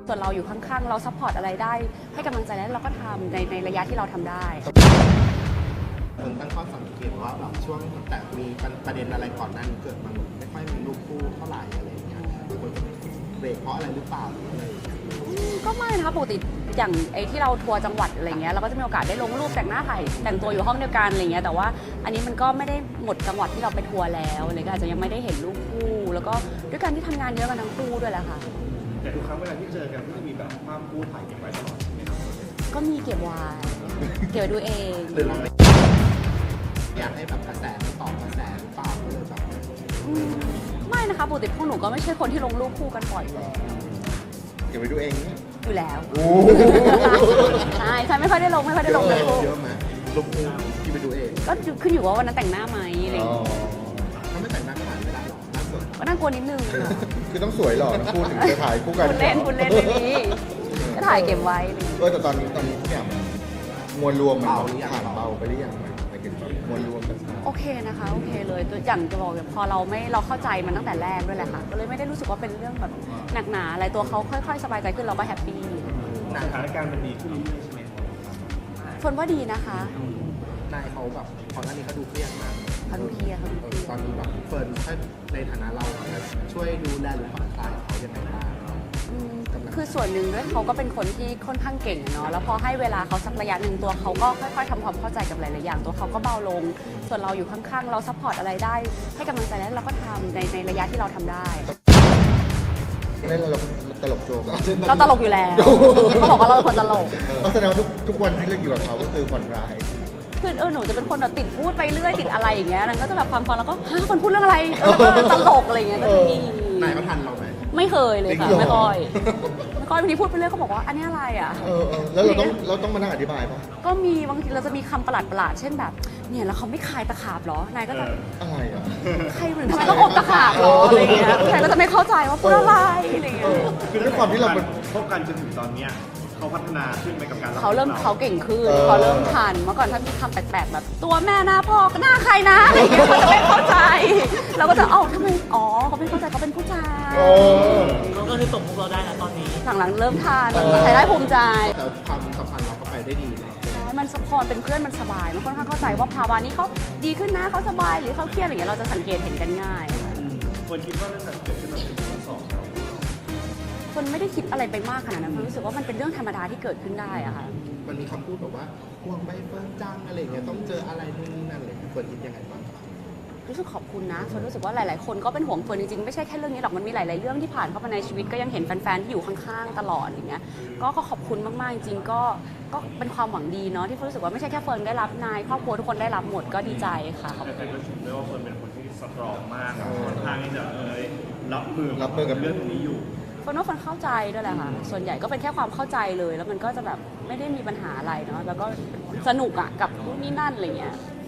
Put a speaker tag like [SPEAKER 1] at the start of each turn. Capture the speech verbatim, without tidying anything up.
[SPEAKER 1] ส่วนเราอยู่ข้างๆเราซัพพอร์ตอะไรได้ให้กำลังใจแล้วเราก็ทำในในระยะที่เราทำได้
[SPEAKER 2] คนตั้งข้อสังเกตว่าแบบช่วงแต่มีประเด็นอะไรก่อนหน้านี้เกิดมันไม่ค่อยมีรูปคู่เท่าไหร่อะไรอย่างเงี้ยคนจะเบรกเพราะอะไรหรือเปล่าหรืออะไร
[SPEAKER 1] ก็ไม่นะคะปกติอย่างไอ้ที่เราทัวร์จังหวัดอะไรเงี้ยเราก็จะมีโอกาสได้ลงรูปแต่งหน้าถ่ายแต่งตัวอยู่ห้องเดียวกันอะไรเงี้ยแต่ว่าอันนี้มันก็ไม่ได้หมดจังหวัดที่เราไปทัวร์แล้วเลยก็อาจจะยังไม่ได้เห็นรูปคู่แล้วก็ด้วยการที่ทำงานเยอะกันทั้งคู่ด้วยแหละค่ะ
[SPEAKER 3] แต่ทุกครั้งเวลาที่เจอกันก็จะมีแบบภาพคู่ถ่ายเก็บไว้ตลอดใช่ไหมครับ
[SPEAKER 1] ก็มีเก็บไว้เก็บไว้ดูเอง
[SPEAKER 2] หรือเราไม่อยากให้แบบกระแสไม่ตอบกระแสหรือเปล่าเลยแบบ
[SPEAKER 1] ไม่นะคะปกติพวกหนูก็ไม่ใช่คนที่ลงรูปคู่กันบ่อยเลย
[SPEAKER 2] เก็บไว้ดูเอง
[SPEAKER 1] อยู่แล้วใช่ใช่ไม่ค่อยได้ลงไม่ค่อยได้ลงเลย
[SPEAKER 2] เยอะไหมรูปคู่ที่ไปดูเอง
[SPEAKER 1] ก็ขึ้นอยู่ว่าวันนั้นแต่งหน้าไหมอะไรอย่างเงี้ย
[SPEAKER 2] ถ้าไม่แต่งหน้าก็ถ่ายไม่ได้หรอกน่าสน
[SPEAKER 1] ก็น่ากลัวนิดนึง
[SPEAKER 4] คือต้องสวยหล่อนะพูดถึงจะถ่ายคู่กัน
[SPEAKER 1] คุณเล่นคุณเล่นเลยนี้ก็ถ่ายเก็บไว้
[SPEAKER 4] เออแต่ตอนนี้ตอนนี้เนี่ยมวลรวมมันผ่านเบาไปหรือยังไปถึงมวลรวมกัน
[SPEAKER 1] โอเคนะคะโอเคเลยตัวอย่างจะบอกพอเราไม่เราเข้าใจมันตั้งแต่แรกด้วยแหละค่ะก็เลยไม่ได้รู้สึกว่าเป็นเรื่องแบบหนักหนาอะไรตัวเขาค่อยๆสบายใจขึ้นเราก็แฮปปี้
[SPEAKER 3] สถานการณ์มันดีขึ้นเรื่อยๆใช่ไหม
[SPEAKER 1] ฝนว่าดีนะคะ
[SPEAKER 2] นายเขาแบบก่อนหน้านี้เขาดูเครียดมาก
[SPEAKER 1] เขาดูเครียดเขาดูเครียด
[SPEAKER 2] ตอนนี้แบบเฟิร์นถ้าในฐานะเราช่วยดูแลหรือผ่อนคลายเขายังไงบ้าง
[SPEAKER 1] คือส่วนหนึ่งด้วยเขาก็เป็นคนที่ค่อนข้างเก่งเนาะแล้วพอให้เวลาเขาสักระยะหนึ่งตัวเขาก็ค่อยๆทำความเข้าใจกับหลายๆอย่างตัวเขาก็เบาลงส่วนเราอยู่ข้างๆเราซัพพอร์ตอะไรได้ให้กำลังใจแล้วเราก็ทำในในระยะที่เราทำได้
[SPEAKER 4] ไม่เราตลกโจ๊ก
[SPEAKER 1] เราตลกอยู่แล้วเขาบอกว่าเราเป็นคนตลก
[SPEAKER 4] แสดงว่าทุกทุกวันที่เราอยู่กับเขาก็คือผ่อนคลาย
[SPEAKER 1] คือเออหนูจะเป็นคนแบบติดพูดไปเรื่อยติดอะไรอย่างเงี้ยนั่นก็จะแบบฟังฟังแล้วก็ฮะคนพูดเรื่องอะไรแล้วก็ตลกอะไรอย่างเงี้ยก็จะมี
[SPEAKER 2] นายเขาทันเราไหม
[SPEAKER 1] ไม่เคยเลยค่ะไม่ค่อยไม่ค่อยบางทีพูดไปเรื่อยเขาบอกว่าอันนี้อะไรอ่ะ
[SPEAKER 4] เออแล้วเราต้องเราต้องมานั่งอธิบายป่ะ
[SPEAKER 1] ก็มีบางทีเราจะมีคำประหลาดประหลาดเช่นแบบเนี่ยแล้วเขาไม่คายตะขาบหรอนายก็จะ
[SPEAKER 4] อะไรอ่ะ
[SPEAKER 1] ใครเหมือนทำไมต้องอบตะขาบหรออะไรเงี้ยใครก็จะไม่เข้าใจว่าพูดอะไรอะไรเงี้ย
[SPEAKER 4] คือด้วยความที่เรา
[SPEAKER 3] คบกันจนถึงตอนเนี้ยเขาพัฒนาขึ้นไปกับการ
[SPEAKER 1] เขาเริ่มเขาเก่งขึ้นเขาเริ่มทันเมื่อก่อนถ้ามีคำแปลกๆแบบตัวแม่หน้าพ่อหน้าใครนะอะไรอย่างเงี้ยเขาจะไม่เข้าใจเราก็จะเอ้าทำไมอ๋อเขาไม่เข้าใจเขาเป็นผู้ชาย
[SPEAKER 5] เขาก็คือตกมุกเราได้แล้วตอนนี้
[SPEAKER 1] หลังๆเริ่มทันใช้ได้ภูมิใจ
[SPEAKER 2] แต่ความสัมพันธ์เราก็ไปได้ดีเลย
[SPEAKER 1] มันสปอร์ตเป็นเพื่อนมันสบายมันค่อนข้างเข้าใจว่าภาวะนี้เขาดีขึ้นนะเขาสบายหรือเขาเครียดอะไรอย่างเงี้ยเราจะสังเกตเห็นกันง่าย
[SPEAKER 3] คนคิดว่าเรื่องนั้นเกิดขึ้นมาเป็นข้อสอบ
[SPEAKER 1] คนไม่ได้คิดอะไรไปมากขนาดนั้นเพราะรู้สึกว่ามันเป็นเรื่องธรรมดาที่เกิดขึ้นได้อะค่ะ
[SPEAKER 2] มันมีคำพูดแบบว่าห่วงใบเฟิร์นจังอะไรเงี้ยต้องเจออะไรนู่นนี่นั่นอะไรเฟิร์นคิดยังไงบ้าง
[SPEAKER 1] รู้สึกขอบคุณนะเฟิร์นรู้สึกว่าหลายๆคนก็เป็นห่วงเฟิร์นจริงๆไม่ใช่แค่เรื่องนี้หรอกมันมีหลายๆเรื่องที่ผ่านเข้ามาในชีวิตก็ยังเห็นแฟนๆที่อยู่ข้างๆตลอดอย่างเงี้ยก็ขอบคุณมากๆจริงๆก็ก็เป็นความหวังดีเนาะที่เฟิร์นรู้สึกว่าไม่ใช่แค่เฟิร์นได้รับนายครอบครัวทุกคนได้รับหมดก็ดีใจค่ะ
[SPEAKER 3] แต่ก็ชมด้วยว่าเฟิร์นเป็นคนที่สตรองมากค่อนข้างที่จะเอ้ยรับมือ
[SPEAKER 4] รับมือกับ
[SPEAKER 3] เรื่องนี้อยู่
[SPEAKER 1] เฟิร์นว่าเฟิร์นเข้าใจด้วยแหละค่ะส่วนใหญ่ก็เป็นแค่ความเข้าใจเลยแล้วมันก็จะแบบไม่ได้มีปัญหาอะไรเนาะแล้วก็สนุกอะกับนู่นนี่นั่นอะไรเงี้ย